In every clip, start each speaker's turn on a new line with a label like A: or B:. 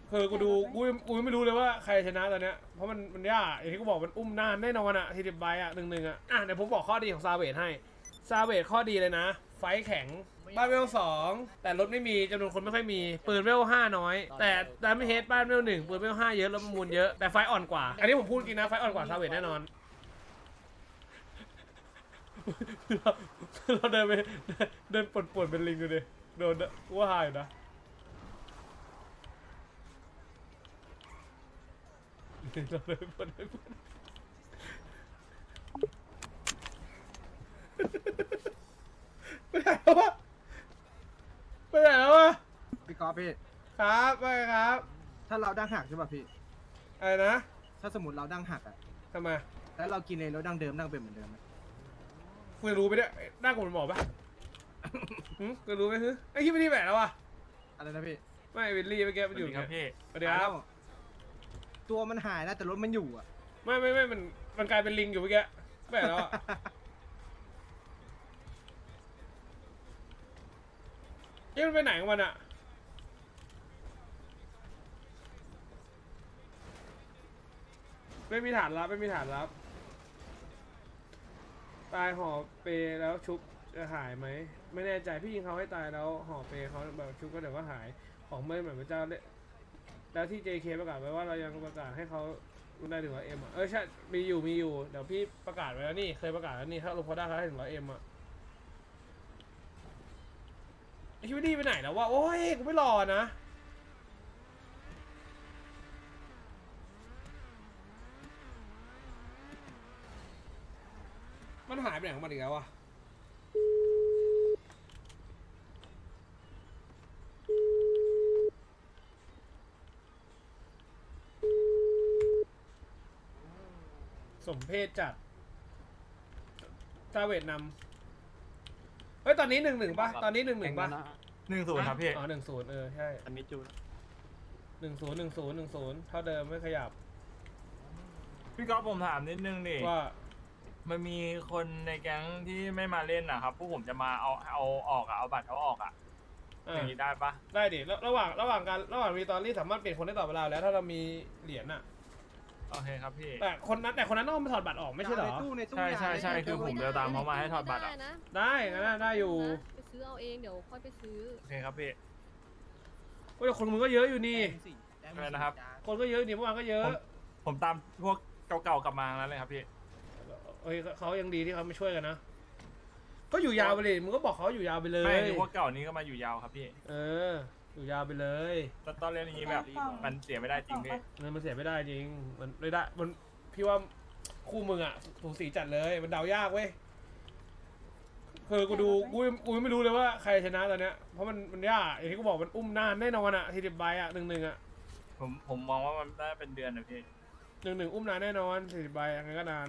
A: คือกูไม่รู้เลยว่าใครชนะตอนเนี้ยเพราะมันยากอย่างที่กูบอกมันอุ้มนานแน่นอนอะ40 ใบอะ1-1อะเดี๋ยวผมบอกข้อดีของซาเวทให้ซาเวทข้อดีเลยนะไฟแข็งบ้านเวล2แต่รถไม่มีจำนวนคนไม่ค่อยมีปืนเวล5น้อยแต่ดาเมจเฮดบ้านเวล1ปืนเวล5เยอะแล้วประมูลเยอะแต่ไฟอ่อนกว่าอันนี้ผมพูดจริงนะไฟอ่อนกว่าซาเวทแน่นอนเราเดินไปเดินปวดเป็นลิงดูดิโดนว่าหายนะเราเดินปวดไปไหนแล้ววะไปไหนแล้ววะ
B: พี่กอล์ฟพี่
A: ครับไปครับ
B: ถ้าเราดั้งหักใช่ป่ะพี่
A: อะไรนะ
B: ถ้าสมมติเราดั้งหักอะ
A: ทำไม
B: แล้วเรากินเลยแล้วดั้งเดิมดั้งเป็นเหมือนเดิมไหม
A: คุณรู้ไปเนี่ยหน้ากูเป็นหมอปะคุณรู้ไหมฮึไอ้ที่ไม่ที่แหวนแล้ววะ
B: อะไรนะพี่
A: ไม่วิลลี่เมื่อกี้มันอยู่
C: ครับพี่
A: สวัสดีครับ
B: ตัวมันหายนะแต่รถมันอยู่อะ
A: ไม่มันกลายเป็นลิงอยู่เมื่อกี้แหวนแล้วอะเอ๊ะมันไปไหนของมันอะไม่มีฐานลับตายห่อเปแล้วชุบจะหายไหมไม่แน่ใจพี่ยิงเขาให้ตายแล้วห่อเปเขาแบบชุบก็เดี๋ยวก็หายของไม่เหมือนพระเจ้าแล้วที่ JK ประกาศไว้ว่าเรายังประกาศให้เขาได้ถึง100Mอ่ะใช่มีอยู่เดี๋ยวพี่ประกาศไว้แล้วนี่เคยประกาศแล้วนี่ถ้าลงพอได้เขาให้ถึง100Mอ่ะไอชิวดี้ไปไหนแล้ววะโอ้ยกูไม่รอนะมันหายไปไหนของมันอีกแล้ววะสมเพศจัดซาเวตนำเฮ้ยตอนนี้1-1ป่ะตอนนี้1-1ป่ะ
C: 1-0ครับพี่
A: อ๋อ1-0ใช่
C: อันนี้จูน
A: 1-0เท่าเดิมไม่ขยับ
C: พี่ก๊อฟผมถามนิดนึงดิ
A: ว่า
C: มันมีคนในแก๊งที่ไม่มาเล่นนะครับพวกผมจะมาเอาออกอะเอาบัตรเขาออกอะอย่างนี้ได้ปะ
A: ได้ดิระหว่างมีตอนนี้สามารถเปลี่ยนคนได้ต่อเวลาแล้วถ้าเรามีเหรียญน่ะ
C: โอเคครับพี่
A: แต่คนนั้นต้องไปถอดบัตรออกไม่ใช่เหรอ
B: ในตู้
C: ใช่คือผมจะตามเขามาให้ถอดบัตรอะ
A: ได้งั้นนะได้อยู่
D: ไปซื้อเอาเองเดี๋ยวค่อยไปซื้อ
C: โอเคครับพี่
A: โอ้ยแต่คนมึงก็เยอะอยู่นี่
C: อะไรนะครับ
A: คนก็เยอะนี่เมื่อวานก็เยอะ
C: ผมตามพวกเก่าๆกลับมาแล้วเลยครับพี่
A: เฮ้ยเขายังดีที่เขาไม่ช่วยกันนะก็อยู่ยาวไปเลยมึงก็บอกเขาอยู่ยาวไปเลย
C: ไม่พวกเก่านี้ก็มาอยู่ยาวครับพี่
A: อยู่ยาวไปเลย
C: แต่ตอนเล่นอย่างนี้แบบมันเสียไม่ได้จริงพี่
A: เงินมันเสียไม่ได้จริงมันไม่ได้มันพี่ว่าคู่มึงอ่ะสูสีจัดเลยมันเดายากเว้ยคือกูไม่รู้เลยว่าใครชนะตอนเนี้ยเพราะมันยากอย่างที่กูบอกมันอุ้มนานแน่นอนอ่ะ40 ใบอ่ะ1-1อ่ะ
C: ผมมองว่ามันได้เป็นเดือนนะพี่
A: 1-1อุ้มนานแน่นอน40 ใบยังไงก็นาน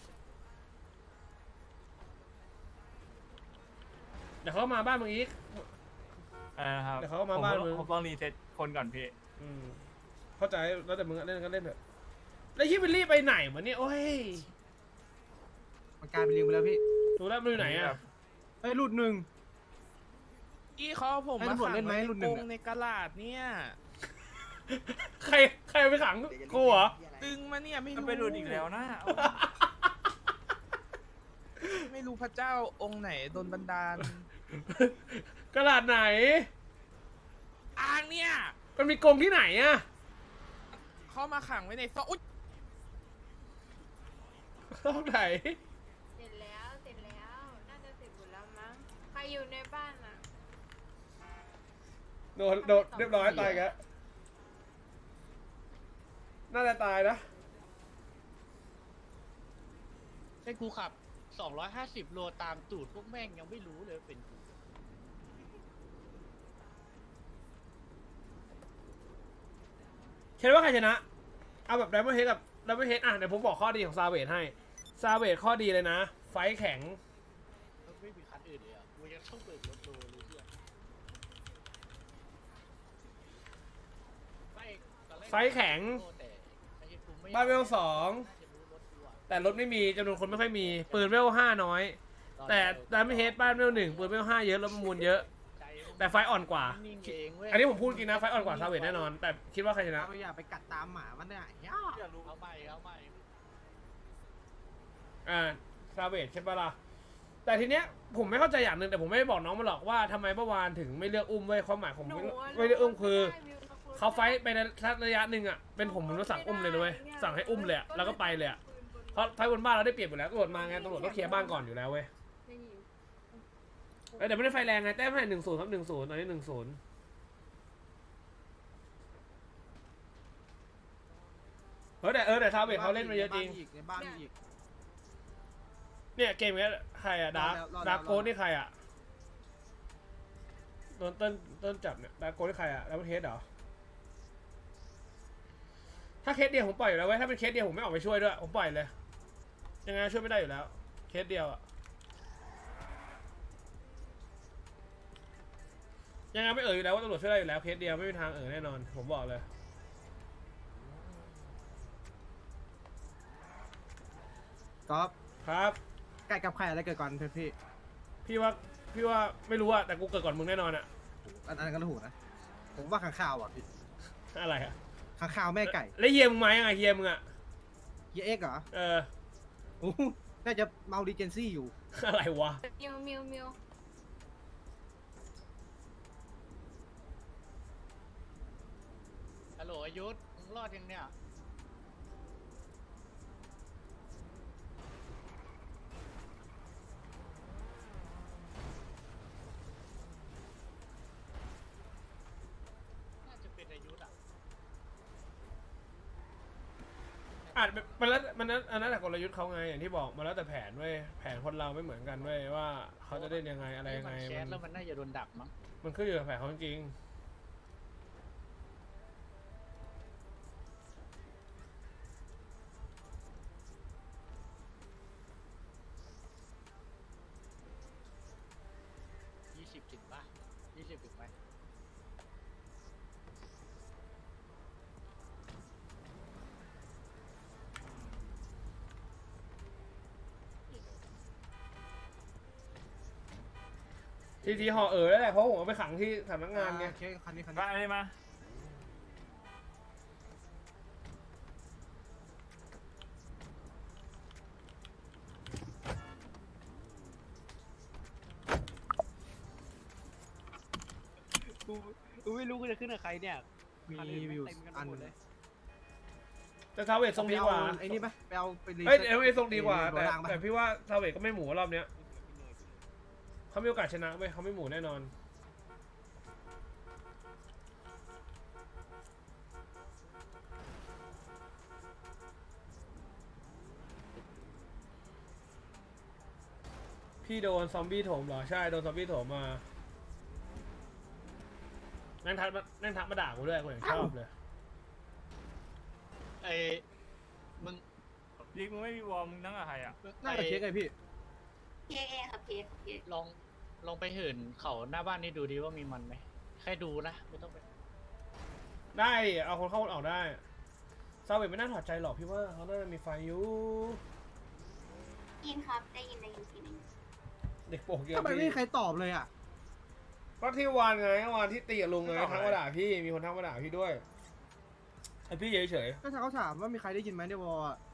A: เดี๋ยวเขามาบ้านมึงอีก
C: ครับ
A: เดี๋ยวเขาก็มาบ้านมึง
C: ผมต้องรีเซ็ตคนก่อนพี่
A: เข้าใจแล้วแต่มึงอะเล่นก็เล่นเถอะแล้วยี่วิลลี่ไปไหนวะเนี่ยโอ้ย
B: มันกลายเป็นลิงไปแล้วพี่
A: ดูแล้วมันอยู่ไหนอ่ะ
B: เฮ้ยหลุดหนึ่ง
E: อีเขาผม
B: ให้
E: มา
B: ตำรวจ
E: ขัง
B: เล่นไหม
E: ไว้ใน
B: รุ่นหนึ่
E: ก
B: ง
E: รง
B: อะ
E: ในกระลาดเนี่ย
A: ใครไปขังกูเหรอ
E: ดึงมาเนี่ยไม่
C: มัน
E: รู้
C: ไปหลุดอีกแล้วนะ
E: ไม่รู้พระเจ้าองค์ไหนโดนบันดาล
A: กระดาษไหน
E: อ่างเนี่ย
A: มันมีกรงที่ไหนอ่ะ
E: เขามาขังไว้ในซอกอุ๊ย
A: ห้องไหน
F: เสร็จแล้ว น่าจะเสร็จหมดแล้วมั้ง ใครอยู่ในบ้านอ่ะ
A: โดนเรียบร้อยตายแกแล้วน่าจะตายนะ
G: ให้กูขับ 250 โลตามตูดพวกแม่งยังไม่รู้เลยเป็นกู
A: คิดว่าใครชนะ เอาแบบไดมอนด์เฮดกับไดมอนด์เฮดอ่ะเดี๋ยวผมบอกข้อดีของซาเวทให้ซาเวทข้อดีเลยนะ ไฟแข็ง
G: ไม่มีคันอื่นเลยอ่ะกูยังต้องเบิกรถโลเลยเพื่อน
A: ไฟแข็ง
G: แต่ไอ้เหี้ยกูไม่
A: บ้านเวล2
G: น่าจะรู้รถกูอะ
A: แต่รถไม่มีจำนวนคนไม่ค่อยมีปืนเวล5น้อยแต่ดาเมจเฮดบ้านเวล1ปืนเวล5เยอะแล้วประมูลเยอะ
G: ใจมึง
A: แต่ไฟอ่อนกว่า
G: นิ่งเองเว้ย
A: อันนี้ผมพูดจริงนะไฟอ่อนกว่าซาเวทแน่นอน แต่คิดว่าใครชนะ
B: เราอย่าไปกัดตามหมามันเนี่ยย่า
G: เอาใหม่เอาใหม่
A: ซาเวทใช่ปะล่ะแต่ทีเนี้ยผมไม่เข้าใจอย่างหนึ่งแต่ผมไม่ได้บอกน้องมันหรอกว่าทำไมเมื่อวานถึงไม่เลือกอุ้มเว้ยความหมายผม
F: หนูอะ
A: ไม่ได้อุ้มคือ
F: ไม่ได้วิวตะโกน
A: เขาไฟท์ไปในระยะหนึ่งอ่ะเป็นผมก็สั่งอุ้มเลยนะเว้ยสั่งให้อุ้มเลยอะแล้วก็ไปเลยอะเพราะไฟท์บนบ้านเราได้เปรียบอยู่แล้วตำรวจมาไงตำรวจก็เคลียร์บ้านก่อนอยู่แล้วเว้ย
D: ไม่มี
A: แต่ไม่ได้ไฟแรงไงแต้มให้1-0ครับ1-0ตอนนี้1-0แต่ซาเวทเขาเล่นมาเยอะจริง
B: ในบ้านมีอีก
A: เนี่ยเกมนี้ใครอะดาร์
B: รอดแล้ว
A: ดาร์โกนี่ใครอะโดนต้นจับเนี่ยดาร์โกนี่ใครอะแล้วมันเทสเหรอถ้าเคสเดียวผมปล่อยอยู่แล้วเว้ยถ้าเป็นเคสเดียวผมไม่ออกไปช่วยด้วยผมปล่อยเลยยังไงช่วยไม่ได้อยู่แล้วเคสเดียวอะยังไงไม่อยู่แล้วว่าตำรวจช่วยได้อยู่แล้วเคสเดียวไม่มีทางแน่นอนผมบอกเลย
B: ก๊อฟ
A: ครับ
B: ไก่กับไข่อะไรเกิดก่อนพี่
A: พี่ว่าไม่รู้อะแต่กูเกิดก่อนมึงแน่นอนอะ
B: อันนั้นก็ถูกนะผมว่าข้างข่าวอ่ะพี่
A: อะไรอะ
B: ข้างข่าวแม่ไก่
A: แล้วเฮียมึงมายังไงเฮียมึงอะ
B: เฮียเอ็กซ์เหรอ
A: เออ
B: โอ้โหน่าจะเมาดีเจนซี่อยู่
A: อะไรวะ
F: เมียวเมียวเมียว
G: ฮัลโหลอายุธมึงรอดยังเนี่ยน่าจะเป็นอายุธอ่ะ
A: อาจมันแล้วมันนั้นอันนั้นแต่กลยุทธ์เขาไงอย่างที่บอกมาแล้วแต่แผนเว้ยแผนคนเราไม่เหมือนกันเว้ยว่าเขาจะเล่นยังไงอะไรยังไง
G: แชทแล้วมันน่าจะโดนดักมั้ง
A: มันขึ้นอยู่กับแผนเขาจริง
G: 20 ถึงป่ะ20 ถึงไหม
A: ทีห่อแล้วแหละเพราะผมเอาไปขังที่สำนักงานไง
B: โอเคคันนี้
C: ก็อันนี้มา
G: กูไม่รู้กูจะขึ้นกับใครเนี่ย
B: มีวิวอัน
G: หมดเลย
A: แต่ซาเวททรงดีกว่า
B: ไอ้นี่ปะไปเอาไปรี
A: เอ้ยเอลเอทรงดีกว่า
B: โด
A: แต่
B: นล่างปะ
A: แต่พี่ว่าซาเวทก็ไม่หมูรอบเนี้ยเขามีโอกาสชนะเว้ยเขาไม่หมูแน่นอนพี่โดนซอมบี้โถมเหรอใช่โดนซอมบี้โถมมานั่งทักมาด่ากูด้วยกูอย่างชอบเลย
G: ไอ้มึง
C: ดิกมึงไม่มีวอลมึงนั่งกับใครอ่ะ
B: น่าจะเช็คไงพี่
F: เคเอครับเค
G: ลองไปเหินเขาหน้าบ้านนี่ดูดีว่ามีมันไหมแค่ดูนะไม่ต้องไป
A: ได้ดิเอาคนเข้าคนออกได้ซาเวทไม่น่าถอดใจหรอกพี่ว่าเขาน่าจะมีไฟอยู่
F: ยินครับได้ยินทีนึง
A: เด็กโปกเยอะ
B: ทำไมไม่
A: พี่
B: มีใครตอบเลยอ่ะ
A: ก็ที่วานไงวานที่ตีกับลุงไงทักมาด่าพี่มีคนทักมาด่าพี่ด้วยไอพี่เฉย
B: ก็เขาถามว่ามีใครได้ยินไหมในวอลอ่ะ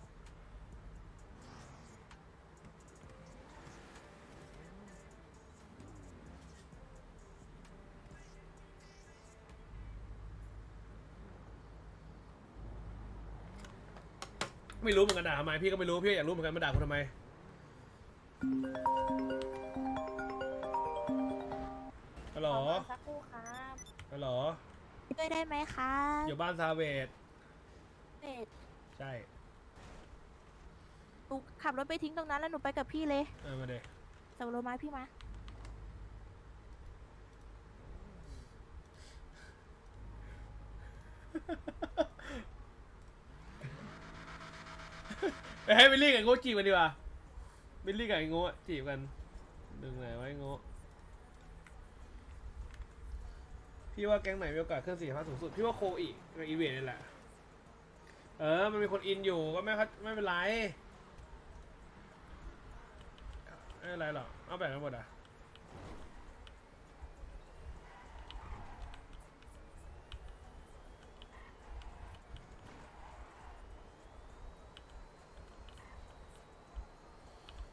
A: ๆไม่รู้เหมือนกันด่าทำไมพี่ก็ไม่รู้พี่อยากรู้เหมือนกันมาด่ากูทำไมฮัลโหล
H: สักครู่ครับ
A: ฮัลโหล
H: ช่วยได้ไหมครับ
A: อยู่บ้านซาเวท
H: เป็ด
A: ใช่
H: หนูขับรถไปทิ้งตรงนั้นแล้วหนูไปกับพี่เลย
A: มาเด็
H: ส่งโลมาพี่มา
A: ไปให้บิลลี่กับไอ้โง่จีบกันดีกว่าบิลลี่กับไอ้โง่จีบกันดึงไหนไว้ไอ้โง่พี่ว่าแก๊งไหนมีโอกาสขึ้น4-5สูงสุดพี่ว่าโคอีกในอีเวนต์นี่แหละมันมีคนอินอยู่ก็ไม่เป็นไรไม่เป็นไรหรอกเอาแบ่งกันหมดอ่ะ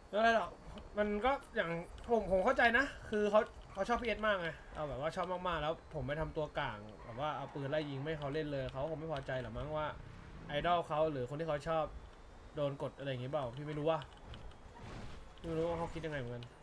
A: ไม่เป็นไรหรอกมันก็อย่างผมเข้าใจนะ คือเขาชอบพีเอสมากไงเอาแบบว่าชอบมากๆแล้วผมไปทำตัวกลางแบบว่าเอาปืนไล่ยิงไม่ให้เขาเล่นเลยเขาคงไม่พอใจหรอกมั้งว่าไอดอลเขาหรือคนที่เขาชอบโดนกดอะไรอย่างงี้เปล่าพี่ไม่รู้ว่าเขาคิดยังไงเหมือนกัน